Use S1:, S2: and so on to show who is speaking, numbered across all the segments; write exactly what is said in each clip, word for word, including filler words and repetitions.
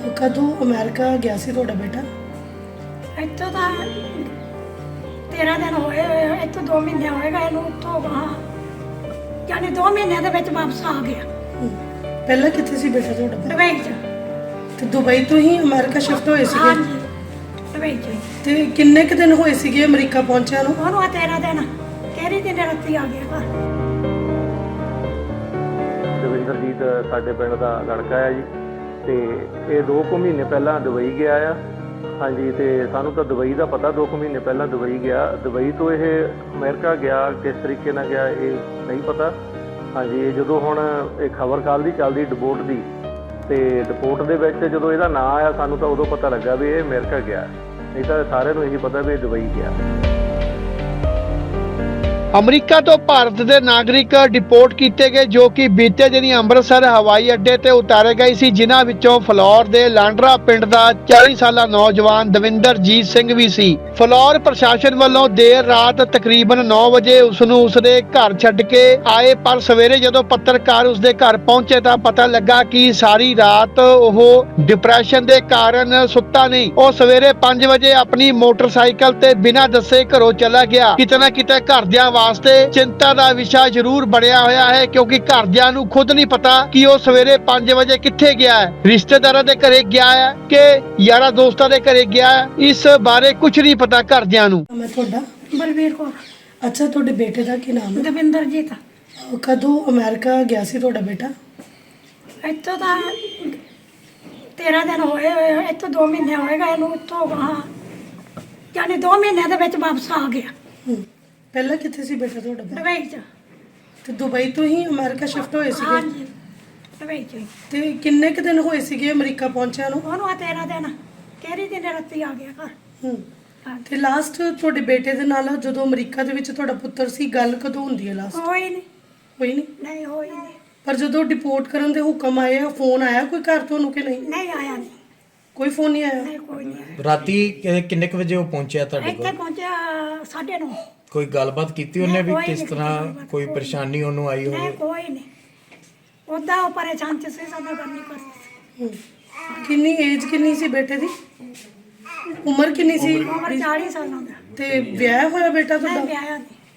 S1: कदों अमेरिका गया सी तुहाडा बेटा?
S2: ਇੱਥੋਂ ਤਾਂ तेरह दिन होए होए ਇੱਥੋਂ दो महीने होएगा ਇਹਨੂੰ ਉੱਥੋਂ ਵਹਾਂ यानी दो महीने ਦੇ ਵਿੱਚ ਵਾਪਸ ਆ ਗਿਆ।
S1: ਪਹਿਲਾਂ ਕਿੱਥੇ ਸੀ ਬੇਟਾ ਤੁਹਾਡਾ?
S2: ਦੁਬਈ ਚ।
S1: ਤੇ ਦੁਬਈ ਤੋਂ ਹੀ ਅਮਰੀਕਾ ਸ਼ਿਫਟ ਹੋਏ ਸੀਗੇ?
S2: ਹਾਂਜੀ ਦੁਬਈ ਚ।
S1: ਤੇ ਕਿੰਨੇ ਕੁ ਦਿਨ ਹੋਏ ਸੀਗੇ ਅਮਰੀਕਾ ਪਹੁੰਚਿਆ ਨੂੰ?
S2: ਉਹਨੂੰ ਆ तेरह दिन ਕਿਹੜੀ ਦਿਨ ਰਾਤੀ ਆ ਗਿਆ ਘਰ।
S3: ਦਵਿੰਦਰਜੀਤ ਸਾਡੇ ਪਿੰਡ ਦਾ ਲੜਕਾ ਹੈ ਜੀ ਤੇ ਇਹ ਦੋ ਕੁ ਮਹੀਨੇ ਪਹਿਲਾਂ ਦੁਬਈ ਗਿਆ ਆ। ਹਾਂਜੀ ਤੇ ਸਾਨੂੰ ਤਾਂ ਦੁਬਈ ਦਾ ਪਤਾ ਦੋ ਕੁ ਮਹੀਨੇ ਪਹਿਲਾਂ ਦੁਬਈ ਗਿਆ। ਦੁਬਈ ਤੋਂ ਇਹ ਅਮਰੀਕਾ ਗਿਆ, ਕਿਸ ਤਰੀਕੇ ਨਾਲ ਗਿਆ ਇਹ ਨਹੀਂ ਪਤਾ। ਹਾਂਜੀ ਇਹ ਜਦੋਂ ਹੁਣ ਇਹ ਖਬਰ ਕੱਲ੍ਹ ਦੀ ਚੱਲਦੀ ਡਿਪੋਰਟ ਦੀ ਤੇ ਡਿਪੋਰਟ ਦੇ ਵਿੱਚ ਜਦੋਂ ਇਹਦਾ ਨਾਂ ਆਇਆ ਸਾਨੂੰ ਤਾਂ ਉਦੋਂ ਪਤਾ ਲੱਗਾ ਵੀ ਇਹ ਅਮਰੀਕਾ ਗਿਆ, ਨਹੀਂ ਤਾਂ ਸਾਰਿਆਂ ਨੂੰ ਇਹੀ ਪਤਾ ਵੀ ਇਹ ਦੁਬਈ ਗਿਆ।
S4: ਅਮਰੀਕਾ ਤੋਂ ਭਾਰਤ ਦੇ ਨਾਗਰਿਕ ਡਿਪੋਰਟ ਕੀਤੇ ਗਏ ਜੋ ਕਿ ਬੀਤੇ ਦਿਨੀ ਅੰਮ੍ਰਿਤਸਰ ਹਵਾਈ ਅੱਡੇ ਤੇ ਉਤਾਰੇ ਗਏ ਸੀ, ਜਿਨ੍ਹਾਂ ਵਿੱਚੋਂ ਫਲੌਰ ਦੇ ਲਾਂਡਰਾ ਪਿੰਡ ਦਾ ਚਾਲੀ ਸਾਲਾ ਨੌਜਵਾਨ ਦਵਿੰਦਰਜੀਤ ਸਿੰਘ ਵੀ ਸੀ। ਫਲੌਰ ਪ੍ਰਸ਼ਾਸਨ ਵੱਲੋਂ ਦੇਰ ਰਾਤ ਤਕਰੀਬਨ ਨੌ ਵਜੇ ਉਸ ਨੂੰ ਉਸਦੇ ਘਰ ਛੱਡ ਕੇ ਆਏ, ਪਰ ਸਵੇਰੇ ਜਦੋਂ ਪੱਤਰਕਾਰ ਉਸਦੇ ਘਰ ਪਹੁੰਚੇ ਤਾਂ ਪਤਾ ਲੱਗਾ ਕਿ ਸਾਰੀ ਰਾਤ ਉਹ ਡਿਪਰੈਸ਼ਨ ਦੇ ਕਾਰਨ ਸੁੱਤਾ ਨਹੀਂ। ਉਹ ਸਵੇਰੇ ਪੰਜ ਵਜੇ ਆਪਣੀ ਮੋਟਰਸਾਈਕਲ ਤੇ ਬਿਨਾਂ ਦੱਸੇ ਘਰੋਂ ਚਲਾ ਗਿਆ। ਕਿਤੇ ਨਾ ਕਿਤੇ ਘਰਦਿਆਂ ਵਾਸਤੇ ਚਿੰਤਾ ਦਾ ਵਿਸ਼ਾ ਜ਼ਰੂਰ ਬਣਿਆ ਹੋਇਆ ਹੈ, ਕਿਉਂਕਿ ਘਰਦਿਆਂ ਨੂੰ ਖੁਦ ਨਹੀਂ ਪਤਾ ਕਿ ਉਹ ਸਵੇਰੇ ਪੰਜ ਵਜੇ ਕਿੱਥੇ ਗਿਆ ਹੈ, ਰਿਸ਼ਤੇਦਾਰਾਂ ਦੇ ਘਰੇ ਗਿਆ ਹੈ ਕਿ ਯਾਰਾਂ ਦੋਸਤਾਂ ਦੇ ਘਰੇ ਗਿਆ ਹੈ। ਇਸ ਬਾਰੇ ਕੁਝ ਨਹੀਂ ਪਤਾ ਘਰਦਿਆਂ ਨੂੰ।
S1: ਮੈਂ ਤੁਹਾਡਾ
S2: ਬਲਵੀਰ ਕੌਰ।
S1: ਅੱਛਾ ਤੁਹਾਡੇ ਬੇਟੇ ਦਾ ਕੀ ਨਾਮ ਹੈ?
S2: ਦਵਿੰਦਰਜੀਤ।
S1: ਕਦੋਂ ਅਮਰੀਕਾ ਗਿਆ ਸੀ ਤੁਹਾਡਾ ਬੇਟਾ?
S2: ਇੱਥੋਂ ਤਾਂ तेरह दिन ਹੋਏ ਹੋਏ ਇੱਥੋਂ दो ਮਹੀਨੇ ਹੋਏਗਾ ਇਹਨੂੰ ਉੱਥੋਂ ਵਹਾਂ यानी दो ਮਹੀਨੇ ਦੇ ਵਿੱਚ ਵਾਪਸ ਆ ਗਿਆ।
S1: ਪਹਿਲਾਂ ਕਿੱਥੇ ਸੀ ਬੇਟਾ ਤੁਹਾਡਾ?
S2: ਦੁਬਈ ਚ।
S1: ਤੇ ਦੁਬਈ ਤੋਂ ਹੀ ਅਮਰੀਕਾ ਸ਼ਿਫਟ ਹੋਏ ਸੀਗੇ?
S2: ਹਾਂਜੀ ਦੁਬਈ ਚ।
S1: ਤੇ ਕਿੰਨੇ ਕੁ ਦਿਨ ਹੋਏ ਸੀਗੇ ਅਮਰੀਕਾ ਪਹੁੰਚਿਆ ਨੂੰ?
S2: ਉਹਨੂੰ ਆ तेरह दिन ਕਿਹੜੀ ਦਿਨ ਰਾਤੀ ਆ ਗਿਆ ਘਰ।
S1: ਹੂੰ ਤੇ ਲਾਸਟ ਤੁਹਾਡੇ ਬੇਟੇ ਦੇ ਨਾਲ ਜਦੋਂ ਅਮਰੀਕਾ ਦੇ ਵਿੱਚ ਤੁਹਾਡਾ ਪੁੱਤਰ ਸੀ ਗੱਲ ਕਦੋਂ ਹੁੰਦੀ ਹੈ ਲਾਸਟ?
S2: ਹੋਈ ਨਹੀਂ।
S1: ਹੋਈ ਨਹੀਂ?
S2: ਨਹੀਂ ਹੋਈ ਨਹੀਂ।
S1: ਪਰ ਜਦੋਂ ਡਿਪੋਰਟ ਕਰਨ ਦੇ ਹੁਕਮ ਆਏ ਆ, ਫੋਨ ਆਇਆ ਕੋਈ ਘਰ ਤੁਹਾਨੂੰ ਕਿ ਨਹੀਂ?
S2: ਨਹੀਂ ਆਇਆ ਨਹੀਂ।
S1: ਕੋਈ ਫੋਨ ਨਹੀਂ ਆਇਆ?
S2: ਨਹੀਂ ਕੋਈ ਨਹੀਂ ਆਇਆ।
S5: ਰਾਤੀ ਕਿ- ਕਿੰਨੇ ਕੁ ਵਜੇ ਉਹ ਪਹੁੰਚਿਆ ਤੁਹਾਡੇ
S2: ਇੱਥੇ
S5: ਕੋਲ?
S2: ਪਹੁੰਚਿਆ ਸਾਢੇ ਨੌ।
S5: ਕੋਈ ਗੱਲਬਾਤ ਕੀਤੀ ਉਹਨੇ ਵੀ
S2: ਕੋਈ
S5: ਕਿਸ
S2: ਨਹੀਂ
S5: ਤਰ੍ਹਾਂ
S2: ਗੱਲਬਾਤ,
S5: ਕੋਈ
S2: ਕੋਈ
S5: ਪਰੇਸ਼ਾਨੀ ਉਹਨੂੰ ਆਈ
S2: ਨਹੀਂ
S5: ਹੋਵੇ?
S2: ਕੋਈ ਨਹੀਂ। ਉਹਦਾ ਉਹ ਪਰੇਸ਼ਾਨ ਚ ਸੀ, ਸਾਡਾ ਗੱਲ ਨਹੀਂ ਕਰਦੀ।
S1: ਹੂੰ। ਕਿੰਨੀ ਏਜ ਕਿੰਨੀ ਸੀ ਬੇਟੇ ਦੀ? ਉਮਰ ਕਿੰਨੀ ਸੀ?
S2: ਉਮਰ ਚਾਲੀ ਸਾਲਾਂ ਦਾ।
S1: ਤੇ ਵਿਆਹ ਹੋਇਆ ਬੇਟਾ
S2: ਨਹੀਂ
S1: ਤੁਹਾਡਾ?
S2: ਵਿਆਹਿਆ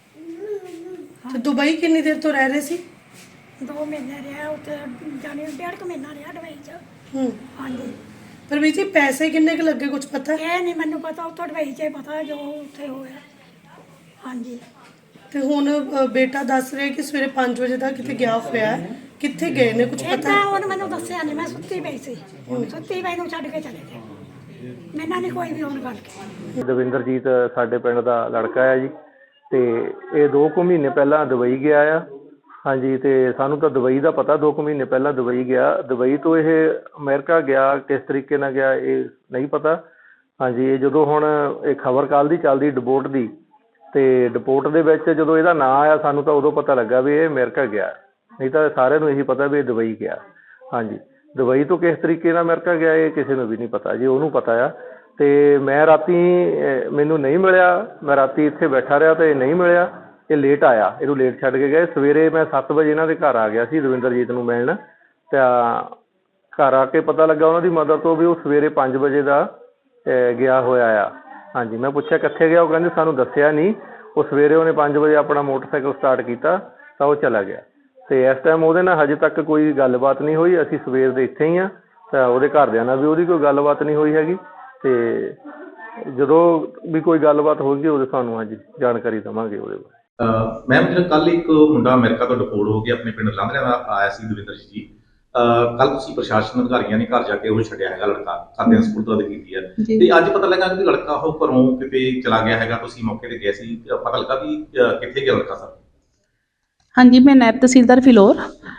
S2: ਨਹੀਂ।
S1: ਤੇ ਦੁਬਈ ਕਿੰਨੀ ਦੇਰ ਤੋਂ ਰਹਿ ਰਹੇ ਸੀ?
S2: ਦੋ ਮਹੀਨੇ ਰਿਹਾ ਉੱਥੇ, ਜਾਣੀ ਡੇਢ ਕੁ ਮਹੀਨਾ ਰਿਹਾ ਦੁਬਈ ਚ।
S1: ਹੂੰ।
S2: ਹਾਂਜੀ
S1: ਪਰ ਵੀ ਜੀ ਪੈਸੇ ਕਿੰਨੇ ਕੁ ਲੱਗੇ ਕੁਝ ਪਤਾ?
S2: ਇਹ ਨਹੀਂ ਮੈਨੂੰ ਪਤਾ, ਉੱਥੋਂ ਦੁਬਈ ਚ ਹੀ ਪਤਾ ਜੋ ਉੱਥੇ ਹੋਇਆ। ਹਾਂਜੀ
S1: ਤੇ ਹੁਣ ਅ, ਬੇਟਾ ਦੱਸ ਰਿਹਾ ਕਿ ਸਵੇਰੇ ਪੰਜ ਵਜੇ ਦਾ ਕਿਤੇ ਗਿਆ ਹੋਇਆ ਹੈ। ਕਿੱਥੇ ਗਏ ਨੇ ਕੁਝ ਪਤਾ?
S2: ਏਦਾਂ ਉਹਨੇ ਮੈਨੂੰ ਦੱਸਿਆ ਨਹੀਂ, ਮੈਂ ਸੁੱਤੀ ਪਈ ਸੀ। ਸੁੱਤੀ ਪਈ ਨੂੰ ਛੱਡ ਕੇ ਚਲੇ ਗਏ। ਮੈਨਾਂ ਨਹੀਂ ਕੋਈ ਵੀ ਹੁਣ ਗੱਲ ਕੀਤੀ।
S3: ਦਵਿੰਦਰਜੀਤ ਸਾਡੇ ਪਿੰਡ ਦਾ ਲੜਕਾ ਹੈ ਜੀ ਤੇ ਇਹ ਦੋ ਕੁ ਮਹੀਨੇ ਪਹਿਲਾਂ ਦੁਬਈ ਗਿਆ ਆ। ਹਾਂਜੀ ਤੇ ਸਾਨੂੰ ਤਾਂ ਦੁਬਈ ਦਾ ਪਤਾ ਦੋ ਕੁ ਮਹੀਨੇ ਪਹਿਲਾਂ ਦੁਬਈ ਗਿਆ। ਦੁਬਈ ਤੋਂ ਇਹ ਅਮਰੀਕਾ ਗਿਆ, ਕਿਸ ਤਰੀਕੇ ਨਾਲ ਗਿਆ ਇਹ ਨਹੀਂ ਪਤਾ। ਹਾਂਜੀ ਇਹ ਜਦੋਂ ਹੁਣ ਇਹ ਖਬਰ ਕੱਲ੍ਹ ਦੀ ਚੱਲਦੀ ਡਿਪੋਰਟ ਦੀ ਤੇ ਡਿਪੋਰਟ ਦੇ ਵਿੱਚ ਜਦੋਂ ਇਹਦਾ ਨਾਂ ਆਇਆ ਸਾਨੂੰ ਤਾਂ ਉਦੋਂ ਪਤਾ ਲੱਗਾ ਵੀ ਇਹ ਅਮਰੀਕਾ ਗਿਆ, ਨਹੀਂ ਤਾਂ ਸਾਰਿਆਂ ਨੂੰ ਇਹੀ ਪਤਾ ਵੀ ਇਹ ਦੁਬਈ ਗਿਆ। ਹਾਂਜੀ ਦੁਬਈ ਤੋਂ ਕਿਸ ਤਰੀਕੇ ਨਾਲ ਅਮਰੀਕਾ ਗਿਆ ਇਹ ਕਿਸੇ ਨੂੰ ਵੀ ਨਹੀਂ ਪਤਾ ਜੀ, ਉਹਨੂੰ ਪਤਾ ਆ। ਤੇ ਮੈਂ ਰਾਤੀ ਮੈਨੂੰ ਨਹੀਂ ਮਿਲਿਆ, ਮੈਂ ਰਾਤੀ ਇੱਥੇ ਬੈਠਾ ਰਿਹਾ ਤੇ ਨਹੀਂ ਮਿਲਿਆ। ਇਹ ਲੇਟ ਆਇਆ, ਇਹਨੂੰ ਲੇਟ ਛੱਡ ਕੇ ਗਏ। ਸਵੇਰੇ ਮੈਂ ਸੱਤ ਵਜੇ ਇਹਨਾਂ ਦੇ ਘਰ ਆ ਗਿਆ ਸੀ ਦਵਿੰਦਰਜੀਤ ਨੂੰ ਮਿਲਣ। ਤਾਂ ਘਰ ਆ ਕੇ ਪਤਾ ਲੱਗਾ ਉਹਨਾਂ ਦੀ ਮਦਰ ਤੋਂ ਵੀ ਉਹ ਸਵੇਰੇ ਪੰਜ ਵਜੇ ਦਾ ਗਿਆ ਹੋਇਆ ਆ। ਹਾਂਜੀ ਮੈਂ ਪੁੱਛਿਆ ਕਿੱਥੇ ਗਿਆ, ਉਹ ਕਹਿੰਦੇ ਸਾਨੂੰ ਦੱਸਿਆ ਨਹੀਂ। ਉਹ ਸਵੇਰੇ ਉਹਨੇ ਪੰਜ ਵਜੇ ਆਪਣਾ ਮੋਟਰਸਾਈਕਲ ਸਟਾਰਟ ਕੀਤਾ ਤਾਂ ਉਹ ਚਲਾ ਗਿਆ। ਤੇ ਇਸ ਟਾਈਮ ਉਹਦੇ ਨਾਲ ਹਜੇ ਤੱਕ ਕੋਈ ਗੱਲਬਾਤ ਨਹੀਂ ਹੋਈ। ਅਸੀਂ ਸਵੇਰ ਦੇ ਇੱਥੇ ਹੀ ਹਾਂ ਤਾਂ ਉਹਦੇ ਘਰਦਿਆਂ ਨਾਲ ਵੀ ਉਹਦੀ ਕੋਈ ਗੱਲਬਾਤ ਨਹੀਂ ਹੋਈ ਹੈਗੀ। ਤੇ ਜਦੋਂ ਵੀ ਕੋਈ ਗੱਲਬਾਤ ਹੋਵੇਗੀ ਉਹਦੇ ਸਾਨੂੰ ਹਾਂਜੀ ਜਾਣਕਾਰੀ ਦੇਵਾਂਗੇ ਉਹਦੇ ਬਾਰੇ।
S6: ਮੈਮ ਜਿਹੜਾ ਕੱਲ ਇੱਕ ਮੁੰਡਾ ਅਮਰੀਕਾ ਤੋਂ ਡਿਪੋਰਟ ਹੋ ਕੇ ਆਪਣੇ ਪਿੰਡ ਲਾਂਘਰਿਆਂ ਦਾ ਆਇਆ ਸੀ ਦਵਿੰਦਰਜੀਤ ਜੀ, ਕੱਲ ਤੁਸੀਂ ਪ੍ਰਸ਼ਾਸਨ ਅਧਿਕਾਰੀਆਂ ਨੇ ਘਰ ਜਾ ਕੇ ਉਹ ਛੱਡਿਆ ਹੈਗਾ ਲੜਕਾ, ਖਾਤੇ ਦੀ ਸਪੁਰਦਗੀ ਕੀਤੀ ਹੈ ਤੇ ਅੱਜ ਪਤਾ ਲੱਗਾ ਕਿ ਲੜਕਾ ਉਹ ਘਰੋਂ ਕਿਤੇ ਚਲਾ ਗਿਆ ਹੈਗਾ। ਤੁਸੀਂ ਮੌਕੇ ਤੇ ਗਏ ਸੀ, ਪਤਾ ਲੱਗਾ ਵੀ ਕਿੱਥੇ ਗਿਆ ਲੜਕਾ ਸਰ?
S7: ਹਾਂਜੀ ਮੈਂ ਨਾਇਬ ਤਹਿਸੀਲਦਾਰ ਫਿਲੌਰ।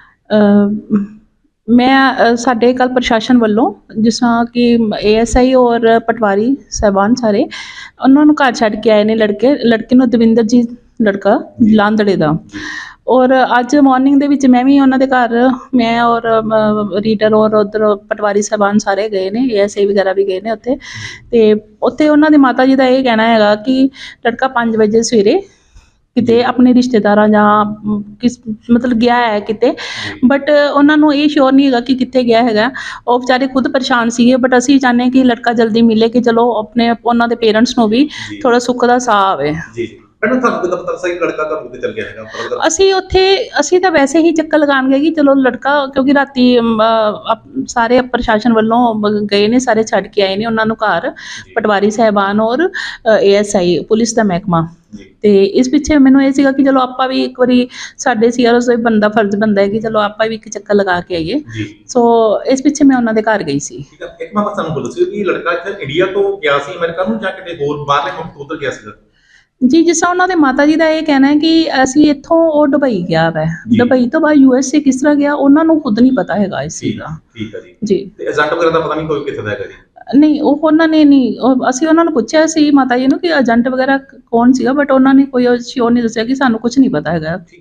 S7: ਮੈਂ ਸਾਡੇ ਕੱਲ ਪ੍ਰਸ਼ਾਸਨ ਵੱਲੋਂ ਜਿਸ ਤਰ੍ਹਾਂ ਕਿ ਏ ਐਸ ਆਈ ਔਰ ਪਟਵਾਰੀ ਸਾਹਿਬਾਨ ਸਾਰੇ ਉਹਨਾਂ ਨੂੰ ਘਰ ਛੱਡ ਕੇ ਆਏ ਨੇ ਲੜਕੇ ਲੜਕੇ ਨੂੰ ਦਵਿੰਦਰਜੀਤ ਲੜਕਾ ਲਾਂਦੜੇ ਦਾ। ਔਰ ਅੱਜ ਮਾਰਨਿੰਗ ਦੇ ਵਿੱਚ ਮੈਂ ਵੀ ਉਹਨਾਂ ਦੇ ਘਰ ਮੈਂ ਔਰ ਰੀਡਰ ਔਰ ਉੱਧਰ ਪਟਵਾਰੀ ਸਾਹਿਬਾਨ ਸਾਰੇ ਗਏ ਨੇ, ਏ ਐਸ ਆਈ ਵਗੈਰਾ ਵੀ ਗਏ ਨੇ ਉੱਥੇ। ਅਤੇ ਉੱਥੇ ਉਹਨਾਂ ਦੀ ਮਾਤਾ ਜੀ ਦਾ ਇਹ ਕਹਿਣਾ ਹੈਗਾ ਕਿ ਲੜਕਾ ਪੰਜ ਵਜੇ ਸਵੇਰੇ ਕਿਤੇ ਆਪਣੇ ਰਿਸ਼ਤੇਦਾਰਾਂ ਜਾਂ ਅਮ, ਕਿਸ ਮਤਲਬ ਗਿਆ ਹੈ ਕਿਤੇ, ਬਟ ਉਹਨਾਂ ਨੂੰ ਇਹ ਸ਼ੋਰ ਨਹੀਂ ਹੈਗਾ ਕਿ ਕਿੱਥੇ ਗਿਆ ਹੈਗਾ। ਉਹ ਵਿਚਾਰੇ ਖੁਦ ਪਰੇਸ਼ਾਨ ਸੀਗੇ, ਬਟ ਅਸੀਂ ਚਾਹੁੰਦੇ ਕਿ ਲੜਕਾ ਜਲਦੀ ਮਿਲੇ ਕਿ ਚਲੋ ਆਪਣੇ ਉਹਨਾਂ ਦੇ ਪੇਰੈਂਟਸ ਨੂੰ ਵੀ ਥੋੜਾ ਸੁੱਖ ਦਾ ਸਾਹ ਆਵੇ।
S6: ਜੀ ਜੀ ਮੈਨੂੰ ਤੁਹਾਨੂੰ ਕਿੱਦਾਂ ਪਤਾ ਸੀ ਕਿ ਲੜਕਾ ਘਰੋਂ ਕਿਤੇ ਚਲ ਗਿਆ ਹੈਗਾ ਪਤਾ ਲੱਗਾ?
S7: ਅਸੀਂ ਉੱਥੇ ਅਸੀਂ ਤਾਂ ਵੈਸੇ ਹੀ ਚੱਕਰ ਲਗਾਉਣ ਗਏ ਕਿ ਚਲੋ ਲੜਕਾ, ਕਿਉਂਕਿ ਰਾਤੀ ਅਮ, ਅਹ, ਅਪ- ਸਾਰੇ ਪ੍ਰਸ਼ਾਸਨ ਵੱਲੋਂ ਬ- ਗਏ ਨੇ, ਸਾਰੇ ਛੱਡ ਕੇ ਆਏ ਨੇ ਉਹਨਾਂ ਨੂੰ ਘਰ, ਪਟਵਾਰੀ ਸਾਹਿਬਾਨ ਔਰ ਏ ਐਸ ਆਈ ਪੁਲਿਸ ਦਾ ਮਹਿਕਮਾ।
S6: ਜੀ
S7: ਤੇ ਇਸ ਪਿੱਛੇ ਮੈਨੂੰ ਇਹ ਸੀਗਾ ਕਿ ਚਲੋ ਆਪਾਂ ਵੀ ਇੱਕ ਵਾਰੀ ਸਾਡੇ ਸੀਆਰਓ ਦਾ ਬੰਦਾ ਫਰਜ਼ ਬਣਦਾ ਹੈ ਕਿ ਚਲੋ ਆਪਾਂ ਵੀ ਇੱਕ ਚੱਕਰ ਲਗਾ ਕੇ ਆਈਏ।
S6: ਜੀ
S7: ਸੋ ਇਸ ਪਿੱਛੇ ਮੈਂ ਉਹਨਾਂ ਦੇ ਘਰ ਗਈ ਸੀ।
S6: ਠੀਕ ਹੈ। ਇੱਕ ਮੈਂ ਬਸ ਤੁਹਾਨੂੰ ਬੋਲ ਸੀ ਕਿ ਲੜਕਾ ਇੱਥੇ ਇੰਡੀਆ ਤੋਂ ਗਿਆ ਸੀ ਅਮਰੀਕਾ ਨੂੰ ਜਾਂ ਕਿਤੇ ਹੋਰ ਬਾਹਰਲੇ ਮੁਲਕ ਤੋਂ ਉੱਧਰ ਗਿਆ ਸੀਗਾ?
S7: ਜੀ, ਜਿਸ ਤਰ੍ਹਾਂ ਉਹਨਾਂ ਦੇ ਮਾਤਾ ਜੀ ਦਾ ਇਹ ਕਹਿਣਾ ਹੈ ਕਿ ਅਸੀਂ ਇੱਥੋਂ ਉਹ ਦੁਬਈ ਗਿਆ ਵੈ,
S6: ਜੀ।
S7: ਦੁਬਈ ਤੋਂ ਬਾਅਦ ਯੂ ਐਸ ਏ ਕਿਸ ਤਰ੍ਹਾਂ ਗਿਆ ਉਹਨਾਂ ਨੂੰ ਖੁਦ ਨਹੀਂ ਪਤਾ ਹੈਗਾ ਇਸ ਚੀਜ਼ ਦਾ।
S6: ਠੀਕ ਹੈ ਜੀ।
S7: ਜੀ
S6: ਤੇ ਏਜੰਟ ਵਗੈਰਾ ਦਾ ਪਤਾ ਨਹੀਂ ਕੋਈ ਕਿੱਥੇ ਦਾ ਹੈਗਾ ਜੀ?
S7: ਨਹੀਂ, ਉਹ ਉਹਨਾਂ ਨੇ ਨਹੀਂ, ਉਹ ਅਸੀਂ ਉਹਨਾਂ ਨੂੰ ਪੁੱਛਿਆ ਸੀ ਮਾਤਾ ਜੀ ਨੂੰ ਕਿ ਏਜੰਟ ਵਗੈਰਾ ਕੌਣ ਸੀਗਾ, ਬਟ ਉਹਨਾਂ ਨੇ ਕੋਈ ਸ਼ੋਰ ਨਹੀਂ ਦੱਸਿਆ ਕਿ ਸਾਨੂੰ ਕੁਝ ਨਹੀਂ ਪਤਾ ਹੈਗਾ।